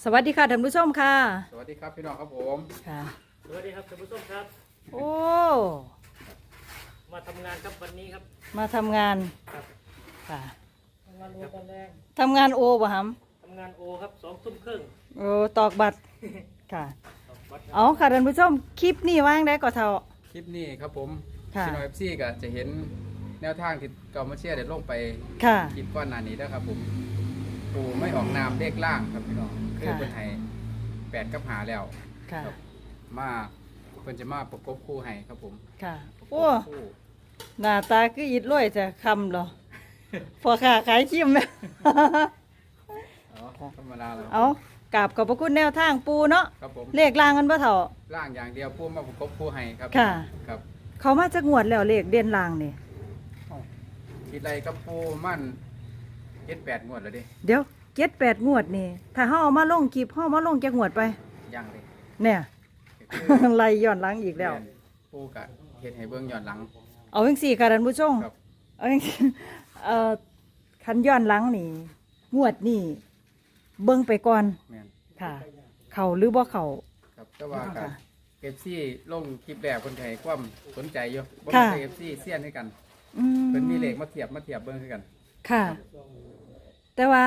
สวัสดีค่ะท่านผู้ชมค่ะสวัสดีครับพี่น้องครับผมค่ะสวัสดีครับท่านผู้ชมครับโอ้มาทำงานครับวันนี้ครับมาทำงานครับค่ะทำงานโอตอนแรกทำงานโอบ่ฮัมทำงานโอครับ20:30 โอ้ตอกบัตรค่ะวัดครับเอาค่ะท่านผู้ชมคลิปนี้ว่างได้ก็เท่าคลิปนี้ครับผมค่ะพี่น้องเอฟซีก็จะเห็นแนวทางที่เกามาเชียร์ได้ลงไปค่ะคลิปก้อนหน้านี้นะครับผมปูไม่ออกนามเลขล่างครับพี่น้องคือค่ะเป็นไห้8กับหาแล้วค่ะครับมาเพิ่นจะมาประกบคู่ให้ครับผมค่ะประกโอ้บคู่หน้าตาคืออิดรวยจะคำเหรอ พอค่ะขายคิมไหมอ๋อธรรมดาแล้วเอากราบขอบพระคุณแนวทางปูเนาะครับผมเลขล่างกันบ่เท่าล่างอย่างเดียวปูมาประกบคู่ให้ครับค่ะครับเขามาจากงวดแล้วเลขเด่นล่างนี่คิดไรกับปูมั่น7-8งวดแล้วดิเดี๋ยว7-8 งวดนี่ถ้าเฮาเอามาลงคลิปเฮามาลงจากงวดไปยังเลยเนี่ยคือไล่ย้อนหลังอีกแล้วปูกะเฮ็ดให้เบิ่งย้อนหลังเอาจังสี่ค่ะท่านผู้ชมครับเอาจังซี่คันย้อนหลังนี่ งวดนี่เบิ่งไปก่อนแม่นค่ะ เขาหรือบ่เขาครับแต่ว่าค่ะเอฟซีลงคลิปแรกคนไทยความสนใจอยู่บ่ค่ะมีเอฟซีเสี้ยนให้กันอืเพิ่นมีเลขมาเทียบเบิ่งให้กันค่ะ แต่ว่า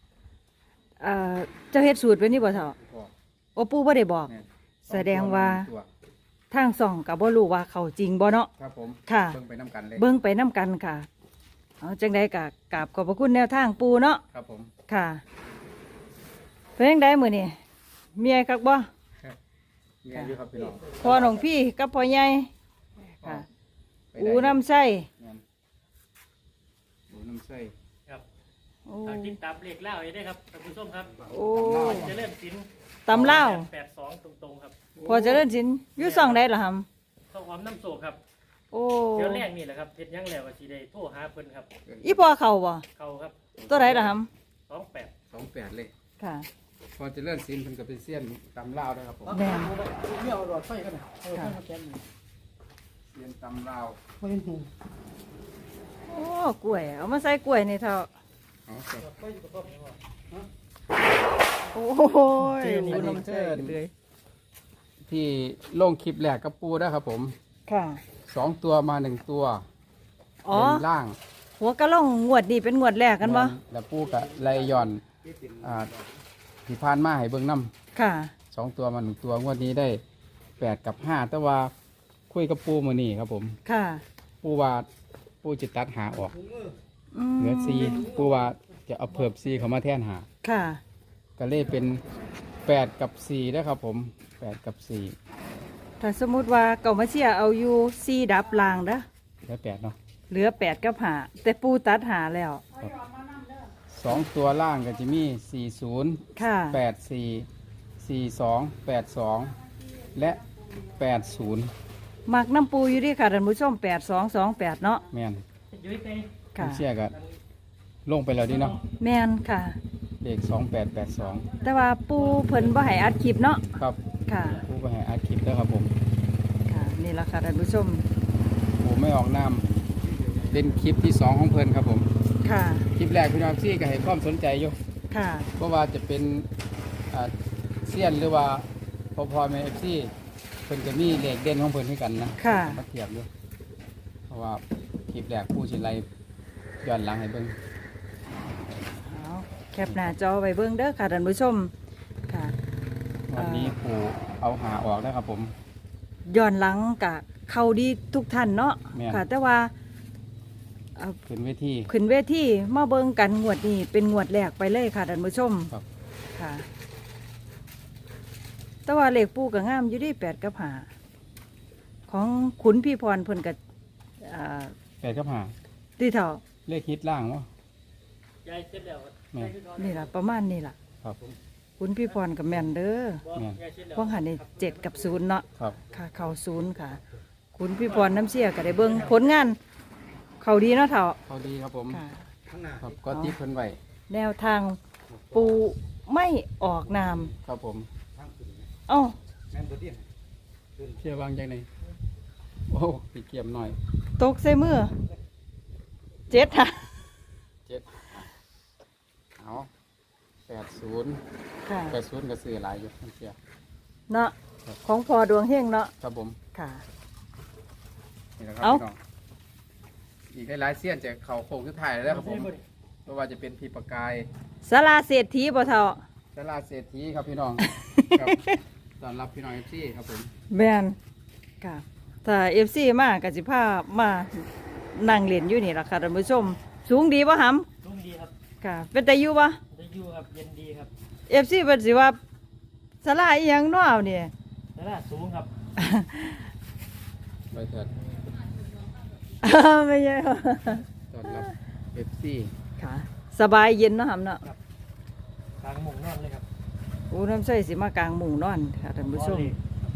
เจ้าเฮ็ดสูตรไว้นี่บ่เฒ่าพอโอปู่บ่ได้บอกแม่นแสดงว่าตัวทางส่องก็บ่รู้ว่าเขาจริงบ่เนาะครับผมค่ะเบิ่งไปนํกันเลยเบิ่งไปนํกันค่ะ เอาจังได๋ก็กราบขอบพระคุณแนวทางปู่เนาะครับผมค่ะเป็นจังไดมื้อนี้เมียคักบ่มีอายุครับพี่น้องพ่อหนองพี่กับพ่อใหญ่ค่ะไปอูได้น้ำใส่แม่นอูน้ำใส่ครับโอ้ทางติดตามเลขเล่าให้ได้ครับท่านผู้ชมครับโอ้จะเริ่มสินตำเล่าว 82ตรงๆครับพอเจะเล่นสินอยู่ซ่องได้เหรอฮัมข้าวหอมน้ำโศกครับโอ้เดี๋ยวแรกนี่แหละครับเฮ็ดหยังแล้วก็สิได้โทรหาเพิ่นครับอีพ่อเขาบ่เข้าครับตัวไหนเหรอฮัม 28 28เลยค่ะพอจะเลื่อนซีนเพิ่นก็เป็นเสี้ยนตำลาวด้วยครับผมแม่นไม่เอาหลอดไฟกันนะเอาไฟมาแกนเสี้ยนตำลาวไฟเป็นหูโอ้กล้วยเอามาใส่กล้วยนี่เท่าเอาครับไฟอยู่กับพ่อไหมวะโอ้ยอันอูนี้น้ำใส่เลยที่ลงคลิปแรกกับปูนะครับผมค่ะ 2ตัวมา1ตัวอ๋อเป็นล่างหัวกะล่องงวดนี่เป็นงวดแรกกันบ่แล้วปูกะไลย่อนที่ผ่านมาให้เบิ่งน้ค่ะำ2ตัวมา1ตัวงวดนี้ได้8กับ5แต่ว่าคุยกับปูมื้อนี้ครับผมค่ะปูว่าปูจะตัดหาออกอืมเหลือ4ปูว่าจะเอาเพิ่ม4เข้ามาแทนหาค่ะก็เลยเป็น8กับ4แล้วครับผม8กับ4 ถ้าสมมุติว่าเก่ามาเชียเอาอยู่4ดับลางเด้อแล้ว8เนาะเหลือ8กับ5แต่ปูตัดหาแล้ว 2ตัวล่างก็จะมี40 ค่ะ 84 42 82 และ 80 มักน้ำปูอยู่ดีค่ะท่านผู้ชม8228เนาะแม่นอยู่ที่ไหนค่ะเชื่อกันลงไปแล้วดิเนาะแม่นค่ะเลข2882 แต่ว่าปูเพิ่นบ่ให้อัดคลิปเนาะครับค่ะผู้ก็ให้อัดคลิปแล้วครับผมค่ะ นี่ล่ะค่ะท่านผู้ชมผมไม่ออกนามเป็นคลิปที่ 2 ของเพิ่นครับผมค่ะคลิปแรกพี่น้องซี่ก็ให้ความสนใจอยู่ค่ะเพราะว่าจะเป็นเซียนหรือว่าพอแม่เอฟซีเพิ่นจะมีเลขเด่นของเพิ่นให้กันนะค่ะมาเทียบอยู่เพราะว่าคลิปแรกผู้สิไลย้อนหลังให้เบิ่งเอาแคปหน้าจอไว้เบิ่งเด้อค่ะท่านผู้ชม ค่ะวันนี้ปู่เอาหาออกแล้วครับผมย้อนหลังกะเข้าดีทุกท่านเนาะแม่นค่ะ แต่ว่าขึ้นเวทีขึ้นเวทีมาเบิ่งกันงวดนี้เป็นงวดแรกไปเลยค่ะท่านผู้ชมครับค่ะ แต่ว่าเลขปูก็งามอยู่ดี8กับ5ของขุนพี่พรเพิ่นก็ 8กับหาที่เท่าเลขฮิตล่างวะยายเสร็จแล้วแม่นี่ล่ะประมาณนี้ล่ะครับขุนพี่พรกับแม่นเด้อบ่ยายเสร็จแล้วพวกหันนี่7กับ0เนาะครับค่ะเข้า0ค่ะขุนพี่พรน้ำเสียก็ได้เบิ่งผลงาน เขาดีเนาะเท่าเขาดีครับผมค่ะข้างหน้าครับก็ติดเพิ่นไว้แนวทางปูไม่ออกนามครับผมทางขึ้นเอ้าแม่นตัวเดียวเชื่อวางจังไหนโอ้ปีเกียมหน่อยตกใส่มือ7ค่ะ 7เอา 80 ค่ะ 80ก็ซื้อหลายอยู่ทั้งเสียเนาะของพอดวงเฮงเนาะครับผมค่ะนี่แหละครับเอ้าพี่น้องอีกหลายๆเสี้ยนจะเข้าโค้งสุดท้ายแล้วครับผมไม่ว่าจะเป็นพี่ประกายศาลาเศรษฐีบ่เท่าตลาดเศรษฐีครับพี่น้อง ครับต้อนรับพี่น้องเอฟซีครับผมแม่นค่ะถ้า FC มาก็สิพามานั่งเล่นอยู่นี่ล่ะค่ะท่านผู้ชม สูงดีบ่หำลุงดีครับค่ะ เป็นตาอยู่บ่ได้อยู่ครับเย็นดีครับ FC เพิ่นสิว่าศาลาอีหยังเนาะเนี่ยแล้วล่ะสูงครับไปเถิดไม่ใช่ค่ะต้อนรับเอฟซีค่ะ สบายเย็นเนาะหำเนาะกลางหมุงนอนเลยครับอูน้ำใส่สิมากลางมุงนอนค่ะท่านผู้ชมนอนเลย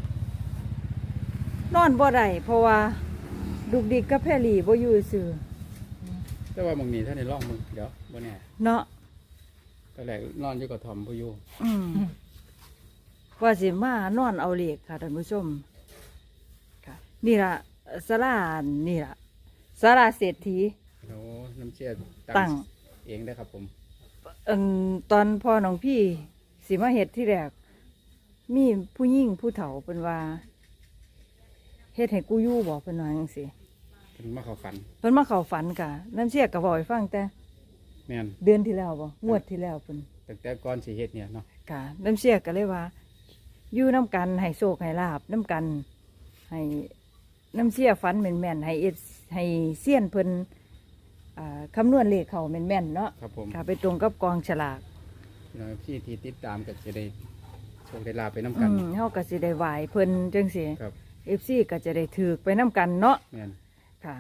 นอนบ่ได้เพราะว่าดุกดิกกับแพรลี่บ่อยู่ซื่อแต่ว่าบางนี้ท่านในร่องมึงเดี๋ยวบ่แน่เนาะตอนแรกนอนอยู่กับทอมผู้อยู่อืมว่าสิมานอนเอาเหล็กค่ะท่านผู้ชมค่ะ นี่ล่ะศาลานี่ล่ะศาลาเศรษฐีโอ้น้ำเชี่ยตั้งเองได้อครับผมตอนพ่อน้องพี่สิมาเฮ็ดที่แรกมีผู้หญิงผู้เฒ่าเพิ่นว่าเฮ็ดให้กูอยู่บ่เพิ่นว่าจังซี่เป็นมาเข้าฝันเพิ่นมาเข้าฝันกะน้ำเสียก็บอกให้ฟังแต่แม่นเดือนที่แล้วบ่งวดที่แล้วเพิ่นตั้งแต่ก่อนสิเฮ็ดเนี่ยเนาะกะน้ำเสียก็เลยว่าอยู่น้ำกันให้โชคให้ลาบน้ำกันให้น้ำเสียฝันแม่นๆให้ให้เสี้ยนเพิ่นคำนวณเลขเขาแม่นๆเนาะครับผมค่ะไปตรงกับกองฉลากพี่น้องพี่ที่ติดตามก็จะได้โชคได้ลาบไปน้ำกันเฮาก็สิได้ไหวเพิ่นจังซี่ครับ FC ก็จะได้ถือไปน้ำกันเนาะแม่นค่ะ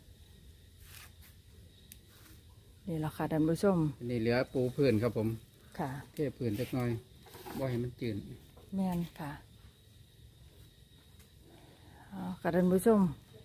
นี่ล่ะค่ะท่านผู้ชมอันนี้เหลือปูพื้นครับผมค่ะเทพื้นจักหน่อยบ่ให้มันจืดแม่นค่ะเอาค่ะท่านผู้ชม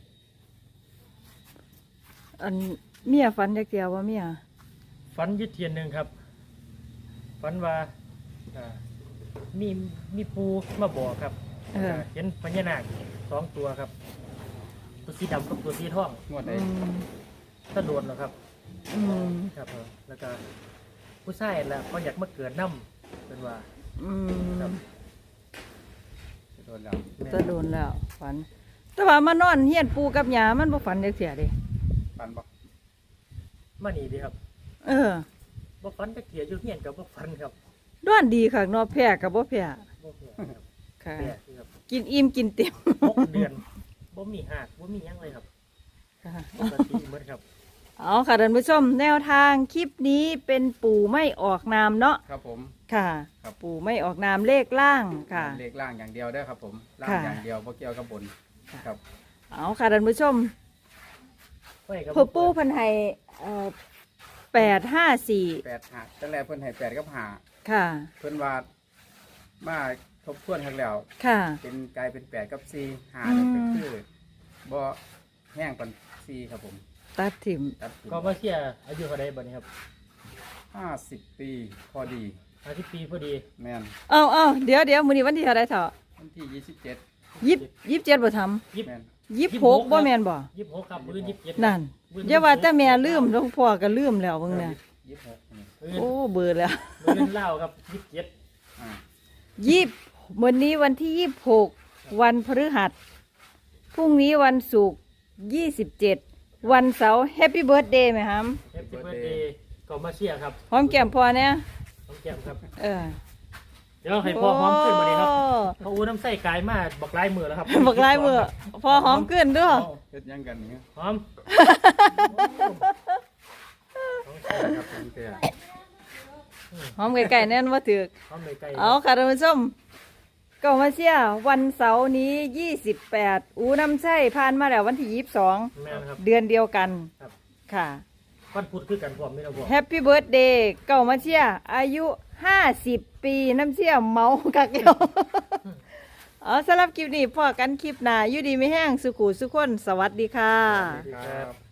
อันเมียฝันจักเดียวว่าเมียฟันยึดเทียนหนึ่งครับฟันว่าอ่ามีปูมาบอกครับเห็นพญานาค2 ตัวครับ ตัวสีดำกับตัวสีทองงวดอืได้มตะโดนแล้วครับอืมครับผมแล้วก็ผู้ชายแหละเขาอยากมาเกิดน้ำเป็นว่าอืมครับโดนแล้วแม่นจะโดนแล้วฝัน แต่ว่ามานอนเฮียนปูกับยามันบ่ฝันจักเสียเดิปันบ่มานี่ดีครับเออบ่ฟันตะเกียบอยู่เฮียนกับบ่ฟันครับด้วนดีค่ะเนอแพ้กับบ่แพ้บ่เหียครับค่ะแปลกครับกินอิ่มกินเต็ม 6 เดือนบ่มีหักบ่มีหยังเลยครับค่ะปกติหมดครับเอาค่ะท่านผู้ชมแนวทางคลิปนี้เป็นปู่ไม่ออกนามเนาะครับผมค่ะครับปู่ไม่ออกนามเลขล่างค่ะเลขล่างอย่างเดียวได้อครับผมล่างค่ะอย่างเดียวบ่เกี่ยวกับบนครับเอาค่ะท่านผู้ชมไว้กับพ่อปู่เพันให้854 8หาตั้งแต่เพิ่นให้8กับ5 ค่ะเพิ่นว่ามาทบทวนครั้งแล้วค่ะเป็นกลายเป็น8กับ4 5 อืมนี่ก็คือบ่แห้งปาน4ครับผมตัดถิ่มตัดทิ้งก็มาเชียร์อายุเท่าใดบัดนี้ครับ 50 ปีพอดี 50 ปีพอดีแม่นเอาเดี๋ยวมื้อนี้วันที่เท่าไรเถอะวันที่27 27บ่ทำยิบแม่น 26บ่แม่นบ่ 26ครับมื้อ27 นั่นอย่าว่าแต่แม่ลืมหลวงพ่อก็ลืมแล้วเบิ่งเนี่ย 26นี่โอ้เบื่อแล้วมื้อเล่าครับ27 อ่าวันนี้วันที่26วันพฤหัสพรุ่งนี้วันศุกร์27วันเสาร์แฮปปี้เบิร์ธเดย์ไหมครับ Happy birthday ก็มาเชียร์ครับหอมแก้มพอเนี่ยน้องแก้มครับเออเดี๋ยวให้พ่อหอมขึ้นมาดีครับเขาอู้น้ำใส่กายมาบอกลายมือแล้วครับบักลายมือพอหอมขึ้นด้วยเฮ็ดหยังกันนี่หอมครับตั้งแต่หอมไก่ๆแน่นว่าถือหอมเลยไก่เอาค่ะท่านผู้ชมก็มาเชียร์วันเสาร์นี้28อูน้ำใช่ผ่านมาแล้ววันที่22 แม่นครับเดือนเดียวกันครับค่ะวันพุธคือกันพร้อมนี่นะพ่อแฮปปี้เบิร์ดเดย์เก่ามาเชียร์อายุ50 ปีน้ำเชียร์เมากักเดียว เอาสำหรับคลิปนี้พอกันคลิปหน้าอยู่ดีไม่แห้งสุขุสุขคนสวัสดีค่ะครับ